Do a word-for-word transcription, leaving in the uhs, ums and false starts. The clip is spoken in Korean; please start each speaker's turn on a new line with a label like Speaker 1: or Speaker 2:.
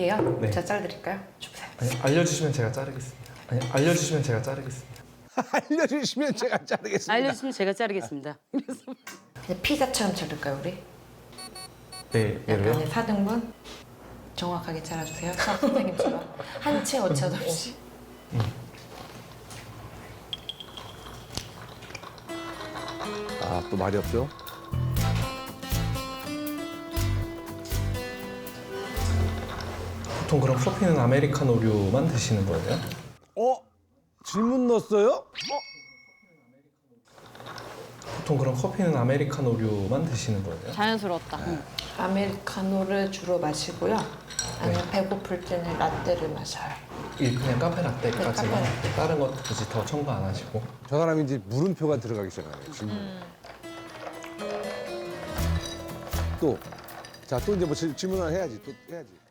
Speaker 1: 얘요?
Speaker 2: 네.
Speaker 1: 제가 잘라드릴까요? 주세요.
Speaker 2: 아니, 알려주시면 제가 자르겠습니다. 아니, 알려주시면 제가 자르겠습니다.
Speaker 3: 알려주시면 제가 자르겠습니다.
Speaker 4: 알려주시면 제가 자르겠습니다.
Speaker 1: 그냥 피자처럼 자를까요, 우리?
Speaker 2: 네, 얘로요?
Speaker 1: 약간의 사 등분? 정확하게 잘라주세요. 수학 선생님처럼. 한 채 오차도 없이.
Speaker 3: 아, 또 말이 없죠?
Speaker 2: 보통 그럼 커피는 아메리카노류만 드시는 거예요?
Speaker 3: 어? 질문 넣었어요?
Speaker 2: 보통 그럼 커피는 아메리카노류만 드시는 거예요?
Speaker 4: 자연스러웠다. 응.
Speaker 1: 아메리카노를 주로 마시고요. 아니면 배고플 때는 라떼를 마셔요.
Speaker 2: 이 그냥 카페 라떼까지만
Speaker 1: 네, 카페 라떼.
Speaker 2: 다른 것 굳이 더 첨부 안 하시고.
Speaker 3: 저 사람이 이제 물음표가 들어가기 시작하네요. 질문. 또, 자, 또 이제 뭐 질- 질문 하나 해야지. 또 해야지.